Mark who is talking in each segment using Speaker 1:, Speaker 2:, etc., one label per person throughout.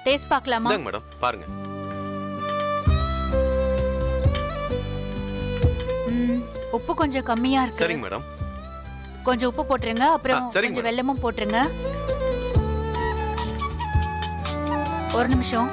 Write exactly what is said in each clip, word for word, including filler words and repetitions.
Speaker 1: Taste பார்க்கலாமா?
Speaker 2: இந்தாங்க madam, பாருங்க.
Speaker 1: ம், உப்பு கொஞ்சம் கம்மியா இருக்கு.
Speaker 2: சரிங்க மேடம்.
Speaker 1: கொஞ்சம் உப்பு போட்டுருங்க, அப்புறம்
Speaker 2: ஆ, சரிங்க
Speaker 1: கொஞ்சம்
Speaker 2: மேடம்.
Speaker 1: வெல்லமும் போட்டுருங்க. ஒரு நிமிஷம்.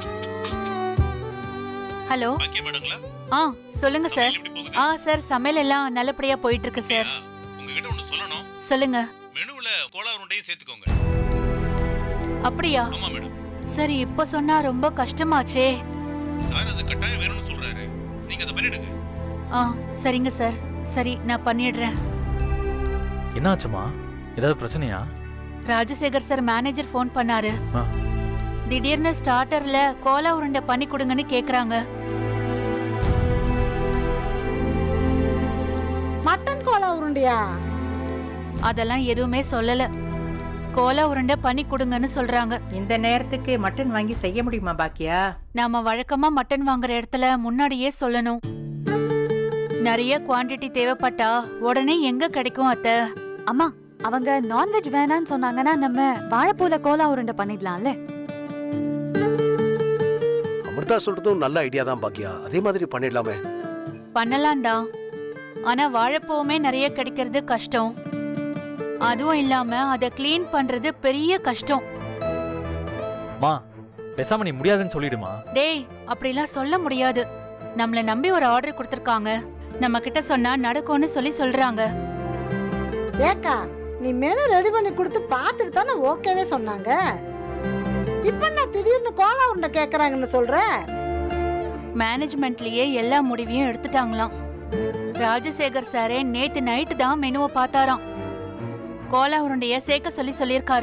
Speaker 1: ஹலோ.
Speaker 3: பாக்கியா மேடங்களா?
Speaker 1: ஆ சொல்லுங்க சார்.
Speaker 3: எப்படி போகுது?
Speaker 1: ஆ சார், சமையல் எல்லாம் நல்லபடியா போயிட்டு இருக்கு சார்.
Speaker 3: உங்ககிட்ட ஒன்னு சொல்லணும்.
Speaker 1: சொல்லுங்க.
Speaker 3: மெனுவுல கோலா உருண்டையும் சேர்த்துக்கோங்க.
Speaker 1: அப்படியா?
Speaker 3: ஆமா மேடம்.
Speaker 1: சரி, இப்ப சொன்னா ரொம்ப கஷ்டமாச்சே.
Speaker 3: சார் அது கட்டாயம் வேணும்னு சொல்றாரு. நீங்க அதை பண்ணிடுங்க.
Speaker 1: ஆ சரிங்க சார். சரி, நான் பண்ணிடுறேன்.
Speaker 4: என்னாச்சுமா? ஏதாவது பிரச்சனையா?
Speaker 1: ராஜசேகர் சார் மேனேஜர் ஃபோன் பண்ணாரு.
Speaker 4: ஆ.
Speaker 1: திடீர்னு ஸ்டார்டர்ல கோலா உருண்டை பண்ணி கொடுங்கன்னு கேக்குறாங்க.
Speaker 5: மட்டன் கோலா உருண்டையா?
Speaker 1: அதெல்லாம் எதுவுமே சொல்லல. கோலா உருண்டை பண்ணி கொடுங்கன்னு சொல்றாங்க.
Speaker 6: இந்த நேரத்துக்கு மட்டன் வாங்கி செய்ய முடியுமா பாக்கியா?
Speaker 1: நாம வழக்கமா மட்டன் வாங்குற இடத்துல முன்னாடியே சொல்லணும். நிறைய குவாண்டிட்டி தேவைப்பட்டா உடனே எங்க கிடைக்கும் அத்தை?
Speaker 7: அம்மா, அவங்க நான்வெஜ் வேணான்னு சொன்னாங்கன்னா நம்ம வாழைப்பூல கோலா உருண்டை பண்ணிடலாம்ல.
Speaker 8: அமிர்தா சொல்றதும் நல்ல ஐடியா தான் பாக்கியா. அதே மாதிரி பண்ணிடலாமே.
Speaker 1: பண்ணலாம்டா. ஆனா வாழைப்பூவுமே நிறைய கிடைக்கிறது கஷ்டம். அதுவும் இல்லாம அதை கிளீன் பண்றது பெரிய கஷ்டம்.
Speaker 4: மா, பேசாம நீ முடியாதுன்னு சொல்லிடுமா.
Speaker 1: டேய், அப்படிலாம் சொல்ல முடியாது. நம்மள நம்பி ஒரு ஆர்டர் கொடுத்திருக்காங்க. நம்ம கிட்ட சொன்னா நடக்கும்னு சொல்லி சொல்றாங்க.
Speaker 5: ஏக்கா, நீ மெனு ரெடி பண்ணி கொடுத்து பார்த்துட்டு தானே ஓகேவே சொன்னாங்க. இப்ப நான் திடீர்னு கோலா உருண்டை கேக்குறாங்கன்னு சொல்ற?
Speaker 1: மேனேஜ்மெண்ட்லயே எல்லா முடிவையும் எடுத்துட்டாங்களாம். ராஜசேகர் சாரே நேத்து நைட்டு தான் மெனுவை பார்த்தாராம். கோலா உருண்டைய சேர்க்க சொல்லி சொல்லியிருக்காரு.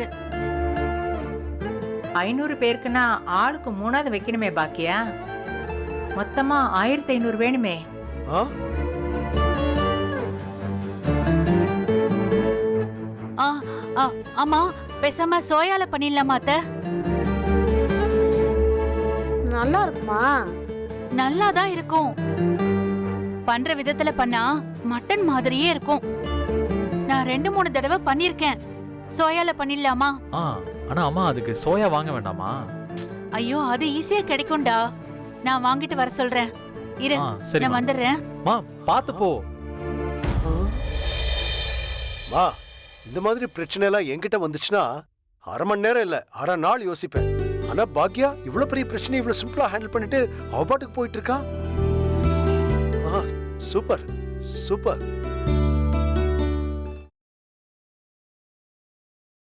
Speaker 6: ஐநூறு பேருக்குன்னா ஆளுக்கு மூணாவது வைக்கணுமே பாக்கியா? மொத்தமா ஆயிரத்தி ஐநூறு வேணுமே.
Speaker 8: ஆ?
Speaker 1: ஆ, ஆ, ஆமா, பேசாம சோயால பண்ணிடலாமா அத்தை?
Speaker 5: நல்லா இருக்குமா?
Speaker 1: நல்லாதான் இருக்கும். பண்ற விதத்துல பண்ணா மட்டன் மாதிரியே இருக்கும். நான் ரெண்டு மூணு தடவை பண்ணிருக்கேன். சோயால பண்ணிடலாமா?
Speaker 4: ஆ, ஆனா அம்மா அதுக்கு சோயா வாங்க வேண்டாமா?
Speaker 1: ஐயோ, அது ஈஸியா கிடைக்கும்டா. நான் வாங்கிட்டு வர சொல்றேன். இரு,
Speaker 4: ஆ, சரி
Speaker 1: நான் வந்துடுறேன்.
Speaker 4: மா, பாத்து போ.
Speaker 8: வா, இந்த மாதிரி பிரச்சனை எல்லாம் என்கிட்ட வந்துச்சுன்னா அரை மணி நேரம் இல்ல அரை நாள் யோசிப்பேன். ஆனா பாக்கியா இவ்வளவு பெரிய பிரச்சனை இவ்வளவு சிம்பிளா ஹேண்டில் பண்ணிட்டு அவ பாட்டுக்கு போயிட்டு இருக்கா. Super super.